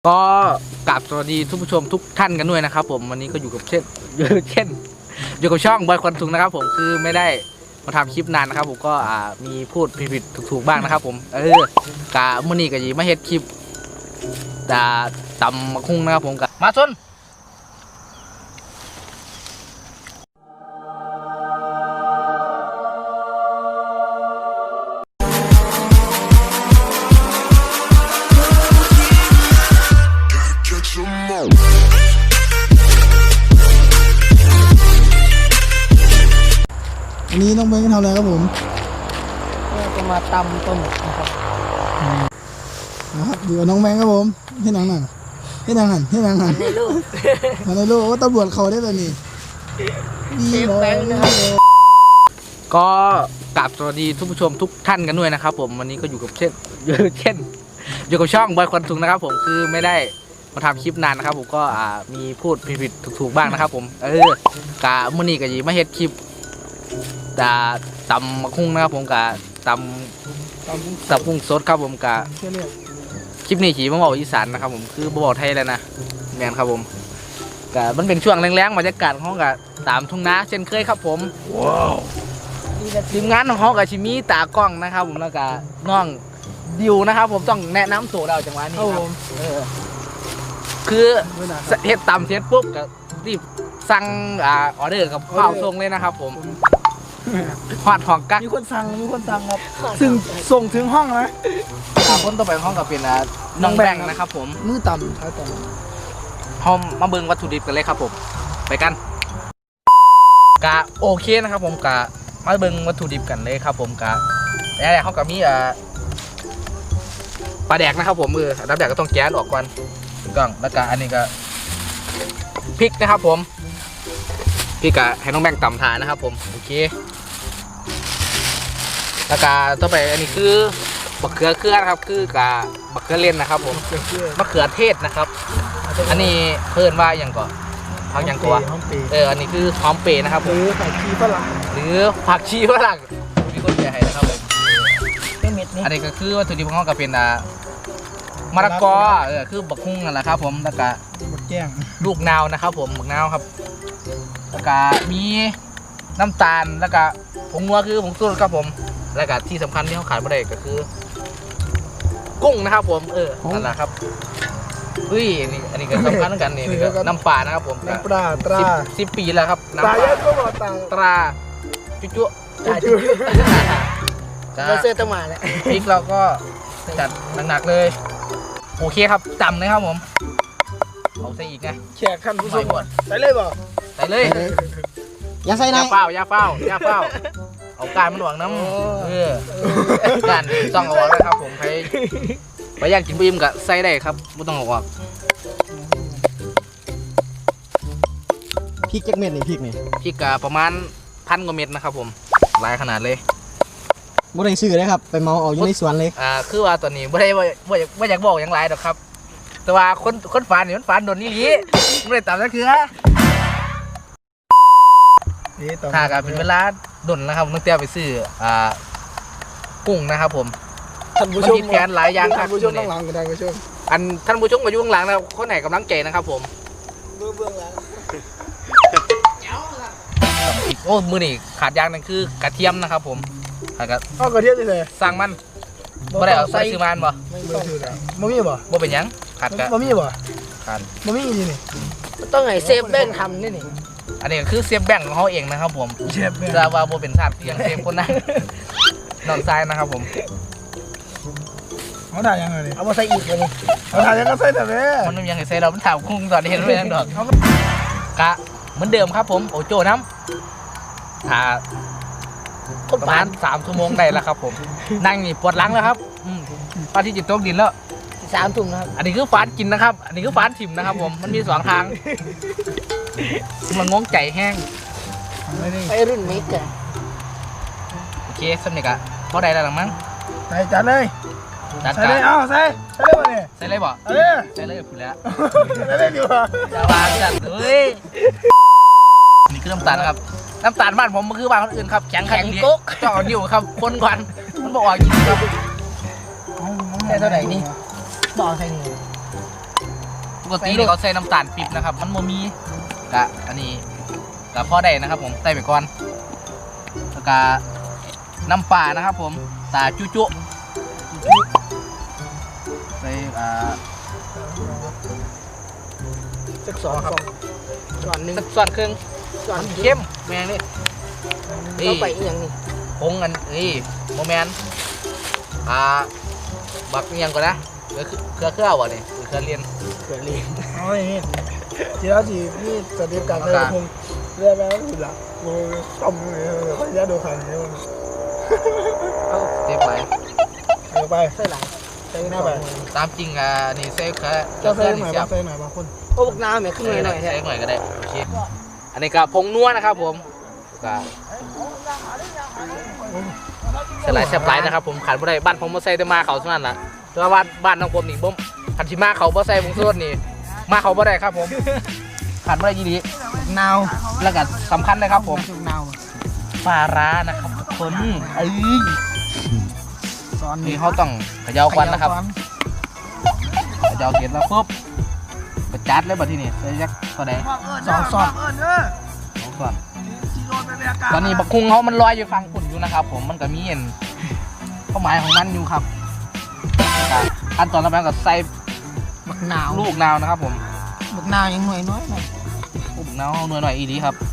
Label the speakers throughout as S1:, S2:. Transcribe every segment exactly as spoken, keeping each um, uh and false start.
S1: ก็กราบสวัสดีทุกผู้ชมทุกท่านกันด้วยนะครับผมวันนี้ก็อยู่กับเช่นเช่นอยู่กับช่องบอยควันทุงนะครับผมคือไม่ได้มาทำคลิปนานนะครับผมก็อ่ามีพูดผิดๆถูกๆบ้างนะครับผมเออกะมื้อนี้ก็ยีมาเฮ็ดคลิปดาตำมะคุ้งนะครับผมกะมาชน
S2: อันนี้น้องเบงทำอะไรครับผม
S3: ก็จะมาตำต้นนะครับ
S2: นะครับอยู่กับน้องแบงครับผมที่นังนั่นที่นังหันที่นังหัน
S3: ในลูก
S2: มาในโลกว่าตำรวจเขาได้แบบนี้ดี
S3: เชฟ
S2: เล
S3: แบ
S2: ย
S3: งค์นะครับ
S1: ก็กราบสวัสดีทุกผู้ชมทุกท่านกันด้วยนะครับผมวันนี้ก็อยู่กับเช่นเช่นอยู่กับช่องบอยควันทุงนะครับผมคือไม่ได้มาทำคลิปนานนะครับผมก็อ่ามีพูดผิดๆถูกๆบ้างนะครับผมเออกะมื้อนี้ก็ยีมาเฮ็ดคลิปดาตำมะคุ้งนะครับผมกะตำ
S2: ตำกุ้ง
S1: ตำกุ้งสดครับผมกะ
S2: เชื่อเรียก
S1: คลิปนี้ขี่มาบอกอีสานนะครับผมคือบ่บอกไทยแล้วนะแมนครับผมกะมันเป็นช่วงแรงๆบรรยากาศของเขากะตามทุ่งนาเช่นเคยครับผมว้าวทีมงานของเขากับชิมีตากล้องนะครับผมแล้วก็น้องดิวนะครับผมต้องแนะนำตัวเราจังหวะนี้ครับเออคือเฮ็ดตำเสร็จปุ๊บก็รีบสั่งอ่าออเดอร์กับข้าวส่งเลยนะครับผมฮอดห้องกัก
S2: มีคนสั่งมีคนสั่งครับซึ่งส่งถึงห้องนะ
S1: อ่าคนต่อไปของห้องก็เป็นอ่าน้องแบงค์นะครับผม
S2: มือต่ำท้ายต่
S1: ห้องมาเบิ่งวัตถุดิบกันเลยครับผมไปกันกะโอเคนะครับผมกะมาเบิ่งวัตถุดิบกันเลยครับผมกะแล้วเขาก็มีอ่าปลาแดกนะครับผมเออน้ำแดกก็ต้องแก๊สออกก่อนถูกต้องแล้วก็อันนี้ก็พริกนะครับผมพริกกะให้น้องแบงค์ตำทานนะครับผมโอเคแล้วก็ต่อไปอันนี้คือบักเขือเครือนะครับคือกะบักเขือเล่นนะครับผม
S2: ำ
S1: มะเขือเทศนะครับ อันนี้เพิ่นว่าอย่างก่อนพักอย่างตัว
S2: ห้องเปย์
S1: เอออันนี้คือหอมเปรย์นะครับผ
S2: ห
S1: ม
S2: รือใส่ขี้ฝรั่ง
S1: หรือผักชีฝรั่งมีคนแชร์ให้นะครับผม
S3: เป็นเม็ดนี้
S1: อันนี้ก็คือวัตถุดิบของเขาก็เป็นอ่ามะละกอเออคือบักฮุ่งนั่นแหละครับผมแล้วก็
S2: หมดแก้ง
S1: ลูกนาวนะครับผมบักนาวครับแล้วก็มีน้ำตาลแล้วก็ผงนัวคือผงชูรสครับผมแล้วก็ที่สำคัญที่เขาขายไม่ได้ก็คือ กุ้งนะครับผมเออนั่นแหละครับเฮ้ยอันนี้อันนี้ก็สำคัญเหมือนกันนี่นี่ก็น้ำปลานะครับผม
S2: น้ำปลาตรา
S1: สิบสิบปีแล้วครับ
S2: ตรา
S1: น้ำป
S2: เย
S1: ลา
S2: อะก็บอกตรา
S1: ตราจุ๊จุ๊
S2: ตราจุ๊
S3: เราเสื้อตะหมาแล้ว
S1: พริกเราก็จัดหนักๆเลยโอเคครับจำเลยครับผมเอาใส่อีกไง
S2: แขกท่านผู้ชมใส่เลยบ่
S1: ใส่เลย
S2: อย่าใส่
S1: อ
S2: นะ
S1: ย่าเฝ้าอย่าเฝ้าอย่าเฝ้าเอาการมันหวังน้ำเออการต้องเอาออกแล้วครับผมใครไปอยากกินบีมกับใส่ได้ครับไม่ต้องเอาออก
S2: พริกจักเม็ดนี่พริกนี่
S1: พริกกะประมาณพันกว่าเม็ดนะครับผมหลายขนาดเลย
S2: บ่ได้ซื้อเลยครับไปเมาเอาอยู่ในสวนเลย
S1: อ่าคือว่าตอนนี้ไม่ได้ว่าว่าอยากว่าอยากบอกอย่างไรหรอกครับ แต่ว่าคนคนฝันนี่มันฝันโดนนี่ลีไม่ได้ตามนั่นคือ
S2: นี่ต่อ
S1: ถ้ากันเป็นเวลาดนนะครับต้องเตรียมไปซื้ออ่ากุ้งนะครับผม
S2: ท่านผู้ชม
S1: มันมีแผนหลายอย่างครับ
S2: ท่านผู้ชมต้องหลังกันท่านผู้ชม
S1: อันท่านผู้ชมก็อยู่ข้างหลังนะครับคนไหนกำลังใจนะครับผม
S2: เบื้องเบื้องหลัง
S1: โอ้มือนี่ขาดอย่างหนึงคือกระเทียมนะครับผมขาดกระ
S2: เอากระเทียมเลย
S1: สร้างมันบ่ได้เอาใส่ซื้อมันบ่
S2: ไม่ต้องซื้อแล้วบ่มีบ่
S1: บ่เป็นหยังขาดกระ
S2: บ่มีบ่
S1: ขาด
S2: บ่มีนี่นี่
S3: ต้องให้เซฟแบงค์ทำนี่นี่
S1: อันนี้ก็คือเสียบแบ่งของเขาเองนะครับผม
S2: เชฟเนี่ย
S1: จะว่าบ่เป็นชาติเสียงเสียบคนนั้นนอนทรายนะครับผม
S2: เขาถ่ายยังไงนี่
S3: เอามาใส่อีกเลยนี่
S2: เขาถ่ายยังก็ใส่แต่แม่
S1: มันยังไงใส่เรามันถามคุ้งตอนนี้เห็นไหมยังดอกกะเหมือนเดิมครับผมโอโจ้น้ำอ่า
S3: คน
S1: ประ
S3: ปา
S1: มาณ
S3: น
S1: สามชั่วโมงได้แล้วครับผม นั่งนี่ปวดหลังแล้วครับอืมพระที่จิตตกดินแล้ว
S3: สามถุงนะครับ
S1: อันนี้คือฟานกินนะครับ อันนี้คือฟานถิ่มนะครับผม มันมีสองทาง มันงงใจแห้ง
S2: ไม่ได้
S3: ไปรุ่นมิกอะ
S1: โอเคสำเร็จอะพอได้แล้วหรือมั้ง
S2: ใส่จัดเลย
S1: จัด
S2: ใส่
S1: กา
S2: เล
S1: ร
S2: ยเอาใส่ใส่เลยมาเนี่ย
S1: ใส่เลยบ่
S2: เออ
S1: ใส่เลยพูดแล้ว
S2: ใส่เลยดีกว่า
S1: อย่าวางจัดเลยนี่คือน้ำตาลนะครับ น้ำตาลบ้านผมมันคือบ้านคนอื่นครับแข็งขันเก๊กจ่อนิ้วครับคนก่อนมันบอกว่าจริงครับ
S3: ใส่เท่าไหร่นี่บอกใส่นี่
S1: กตินี่เขาใส่น้ำตาลปี๊บนะครับมันโมมีกะอันนี้กะพอได้นะครับผมใส่ไปก่อนแล้วก็น้ำปลานะครับผมตาจุจุใส่อ่า
S3: สักสองครับก่อนหนึ่ง
S1: สักส่วนครึ่ง
S3: ก่อน
S1: เข้มแมงนี่
S3: เราไปอีกอย่างนี้
S1: ผงอันนี่โมแมนอ่าบักเนียงก่อนนะเครือเครือเครือวะนี่เครือเรียน
S3: เกิดเรียน
S2: เอาอย่างนี้ทีละทีนี่สเต็ปการใส่พงเรียกแล้วสุดละโอ้ยต้มเลยขออนุญาตดูคันนี้
S3: เอา
S1: เต็มไป
S2: เดี๋ยวไป
S3: ใส่หลังใส่ห
S2: ห
S3: น้า
S2: น้า
S3: ไป
S2: ไป
S1: ตามจริงอ่ะนี่ใส่เครือ
S2: จะใส่
S1: เครือ
S2: หน่อย
S1: นี่เสีย
S2: บา
S1: บ
S2: งใส่หน่อยบางคน
S3: โอ้พวกน้ำเนี่ยขึ้นหน่อยหน่อยแท้
S1: ใส่หน่อยก็ได้โอเคอันนี้ก็ผงนัวนะครับผมก็สลายแซ่บไรนะครับผมขันบ่ได้บ้านผมมาใส่แต่มาเขาเท่านั้นล่ะแต่ว่าบ้านบ้านน้องผมนี่บ่มขันชิมาเขาบ่ใส่ผงชูรสนี่มาเขาบ่ได้ครับผมขันบ่ได้ยี่ดี
S2: นาว
S1: แล้วก็สำคัญเลยครับผม
S2: จุกนาว
S1: ปลาร้านะครับทุกคนเอ้ย
S2: ซ้อน
S1: นี่เขาต้องเขย่าควันนะครับเขย่าเสร็จแล้วปุ๊บไปจัดเลยบัดที่นี่ใส่ยักษ์ก็ได้
S2: สอนสอน
S1: สองก่อนตอนนี้บักคุงเขามันลอยอยู่ฟังฝุ่นอยู่นะครับผมมันก็มีเห็นเป้าหมายของมันอยู่ครับขั้นตอนต่อไปก็ใส่
S3: บักหนาว
S1: ลูกนาวนะครับผม
S3: บักหนาวยังหน่อยน้อยหน่อย
S1: ลูกนาวเอาหน่อยหน่อยอีดีครับ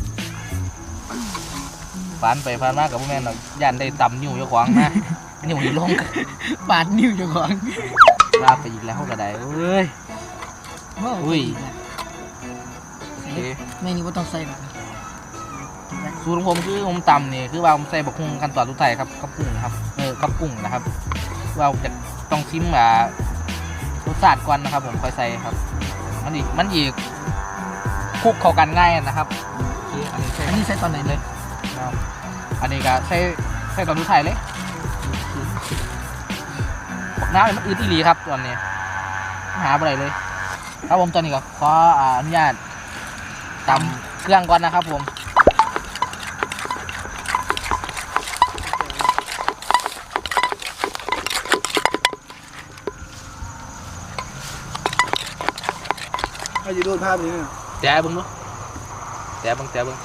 S1: ฟันไปฟันมากกับพวกแม่นยันได้ต่ำนิ้วเจ้าของนะนิ้วอยู่ลง
S3: ปาดนิ้วเจ้าของ
S1: ลาไปอีกแล้วก็ได้เอ้ย อุ้ย โอเค
S3: ไม่นี่ว่าต้องใส่หรอก
S1: สูตรของผมคือผมตำนี่คือว่าผมใส่บักคุ้งขั้นตอนทุกไทายครับกับกุ้งครับเออกับกุ้งนะครับว่าจะต้องชิมอ่ารสชาติก่อนนะครับ ผมค่อยใส่ครับมันอีกมันอีกคลุกเข้ากันง่ายนะครับโอเคอันนี้ใส่
S3: อันนี้ใส่ตอนไหนเลย
S1: ครับอันนี้ก็ใส่ใส่ตอนทุกไทายเลยบักน้ำเนี่ยมันอืดอีหลีครับตอนนี้หาอะไรเลยครับผมตอนนี้ก็ขออ่าอนุญาตตำเครื่องก่อนนะครับผม
S2: ให้ดูภาพนี้เนี่ย
S1: แจ๊บึงดูแจ๊บึงแจ๊บึง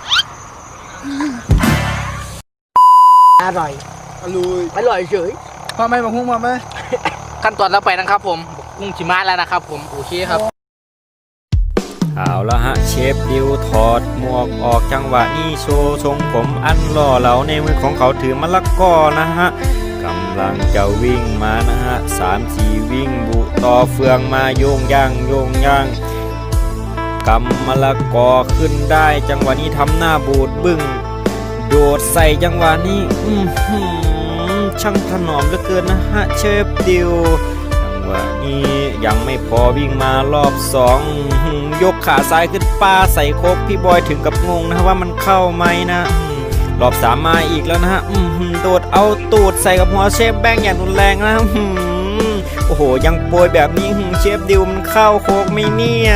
S3: อร่อย
S2: อร่อย
S3: อร่อยเฉย
S2: พอไหมบางพุ่งพอไหม
S1: ขั้นตอนแล้วไปนะครับผมกุ้งชิมาแล้วนะครับผมโอเคครับ
S4: เอาละฮะเชฟดิวถอดหมวกออกจังหวะนี้โชว์ทรงผมอันหล่อเหลาในมือของเขาถือมะละกอนะฮะกำลังจะวิ่งมานะฮะสามสี่วิ่งบุต่อเฟืองมาโยงย่างโยงย่างกำมะละกอขึ้นได้จังหวะนี้ทำหน้าบูดบึ้งโดดใส่จังหวะนี้อือหือช่างถนอมเหลือเกินนะฮะเชฟดิวจังหวะนี้ยังไม่พอวิ่งมารอบสองยกขาซ้ายขึ้นปาใส่โคกพี่บอยถึงกับงงนะว่ามันเข้าไหมนะรอบสามมาอีกแล้วนะฮะโดดเอาตูดใส่กับหัวเชฟแบงอย่างรุนแรงนะโอ้โหยังโปรยแบบนี้เชฟดิวมันเข้าโคกไหมเนี่ย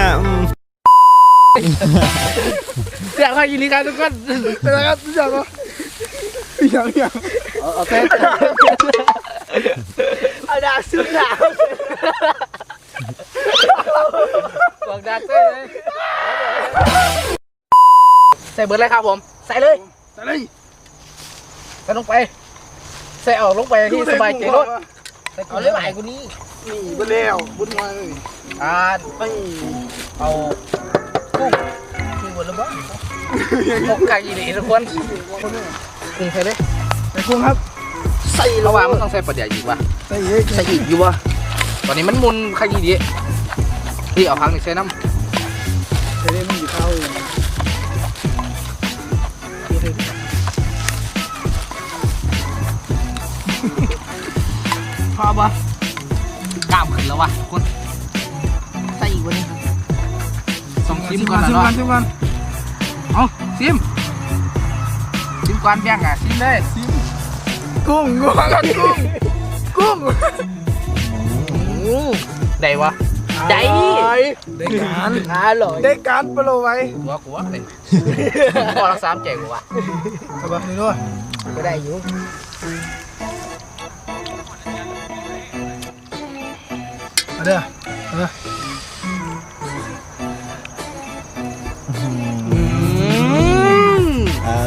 S1: เสียงใครยินดีกันทุกคน
S2: เป็นไรครับทุกอย่างก็อย่างอย่าง
S1: โอเค
S3: เอาดาบซื้อดาบ
S1: บอกดักใส่เลยใส่เบิร์ดเลยครับผมใส่เลย
S2: แต่เลย
S1: ใส่ลงไปใส่ออกลงไปที่สบายใจรถ
S3: เอาเรื่องไหนกูนี่
S2: นี่บุญแล้วบุญมาเลย
S1: อ่า
S2: ไม่
S1: เอากุ้ง
S3: คือหมดแล้วบ้าง
S1: หกไก่ยีนีทุกคนกุ้งใส่เลย
S2: ใส่กุ้งครับ
S1: ใส่ระหว่างมันต้องใส่ปลาเดี๋ยวอีกว่ะ
S2: ใส่เยอะ
S1: ใส่อีกอยู่วะตอนนี้มันมุนไข่ยีดีที่เอาพังนี่ใส่น้ำ
S2: ใส่ได้ไม่กี่เท่าเลย
S1: พอปะกล้ามขึ้นแล้ววะทุกคน
S3: ใส่อีกวันนี้
S1: ส่งซิมก่อนนะ
S2: ชิม
S1: เนาะ
S2: กันชิมกัน
S1: เอาซิมซิมก่อนแบ่งอ่ะซิมเลย
S2: กุ้งกุ้งกันกุ้งกุ้ง
S1: ได้วะ
S3: ใจ
S2: ได้การ
S3: อร่อย
S2: ได้การปลาไว้
S1: กูว่ากูว่าเลยพอรักสามใจกูว่ะ
S2: สบายนี่ด้วย
S3: ก็ได้อยู่
S2: มาเด้อมาเด้อ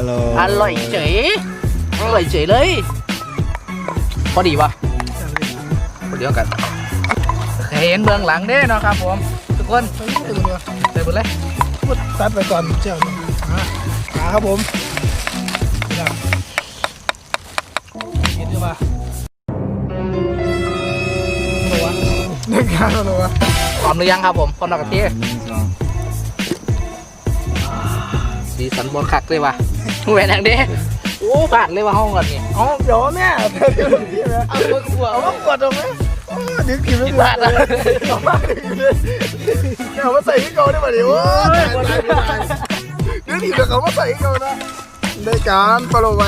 S4: ร่อย
S1: อร่อยเฉยอร่อยเฉยเลยพอดีปะพอดีกันเห็นเบื้องหลังเด้เนาะครับผมทุกคน
S2: ไปตื่นเลย
S1: เต็มหมดเลย
S2: พูดตัดไปก่อนเจ้าอ่ะขาครับผมกินดีป่ะหนูวะเด็กงานหนูวะ
S1: พร้อมหรือยังครับผมพร้อมแล้วกับพี่สีสันบนคักเลยวะแหวนทางเด้โอ้ผ่านเลยว่าห้องก่อนนี่
S2: อ๋อเดี๋ยวแม่เอาไปขวดเอาไปขวดตรงไหมโอ้ดึกกินไม่พลาดนะเอามาเอามาใส่ให้เขาได้ป่ะเดี๋ยวดึกกินแล้วเขามาใส่ให้เขานะได้การปลาไว้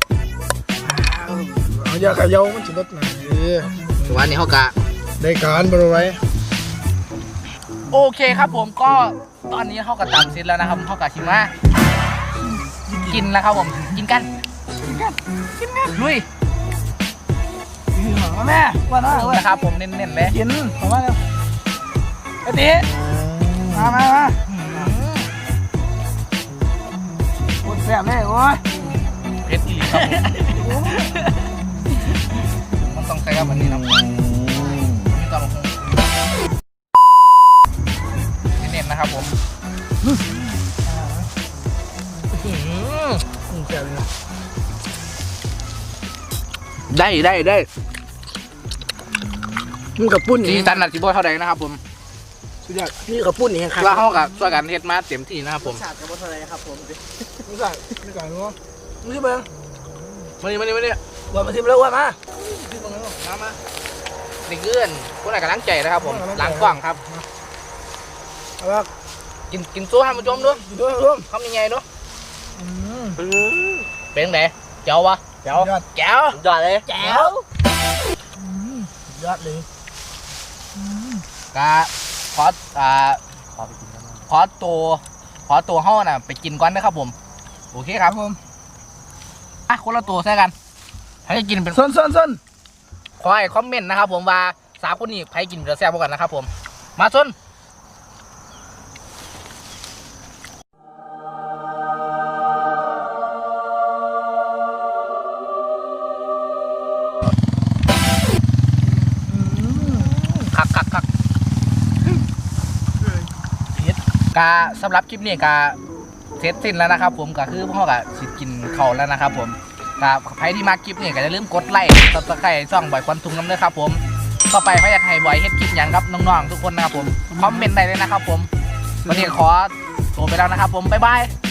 S2: เอาอย่าขย่ามันจะลดหน่อย
S1: วันนี้เขากะ
S2: ได้การปลาไว้
S1: โอเคครับผมก็ตอนนี้เขากะตามเสร็จแล้วนะครับเขากะชิมากินแล้วครับผมกินกันกินกันกินกันลุย
S2: แม่ว่าน้า
S1: นะครับผมเน้นๆเลย
S2: กินขอมาเร็วไอ้ตีมามามาปวดแสบเลยโอ้ย
S1: เพชรอีครับผมมันต้องใช้กับอันนี้นะมีตอนลงเน้นๆนะครับผม
S2: แสบเลย
S1: ได้ได้ได้
S2: มึงกับปุ้น
S1: สี
S2: นี่
S1: สันหนักสีบอยเท่าไหร่นะครับผม
S2: สุดยอดนี่กับปุ้นนี่ครับ
S1: ว่าเขากับช่วยกันเฮ็ดมาเต็มที่นะครับผม
S3: ชาติกับอะไรครับผม
S2: มึงสั่งมึงสั่งรู้มึงชิมเบิ้ง
S1: มานี่มานี่มานี่
S2: ว่ามาชิมแล้วว่ามา
S1: มามาเด็กเอื้อนคนไหนกำลังใจนะครับผมล้างกว้างครับ
S2: เอาละ
S1: กินกินสู้ให้มันจมด้วย
S2: กินด้วยร่วม
S1: ทำยังไงด้วย
S2: อืม
S1: เป็นไงเจ้าวะ
S2: เจ้ายอด
S1: แจ๋ว
S3: จอดเลย
S1: แจ๋ว
S2: ยอดเลย
S1: กะขออ่าขอตัวขอตัวห้อน่ะไปกินก่อนนะครับผมโอเคครับผมอ่ะคนละตัวใช่กันใครจะกินเป็น
S2: ส้นส้นส้น
S1: ขอให้คอมเมนต์นะครับผมว่าสามคนนี้ใครกินจะแซ่บกว่ากันนะครับผมมาส้นคักคักคักกาสำหรับคลิปนี้กาเสร็จสิ้นแล้วนะครับผมก็คือพ่อกับสิกินเขาวแล้วนะครับผมกาใครที่มาคลิปนี้ก็อย่าลืมกดไลค์ซับสไครต์ช่องบ่อยควันทุงน้ำเด้อครับผมต่อไปพยายามให้บ่อยเฮ็ดคลิปอย่างครับน้องๆทุกคนนะครับผมคอมเมนต์ได้เลยนะครับผมวันนี้ขอตัวไปแล้วนะครับผมบ๊ายบาย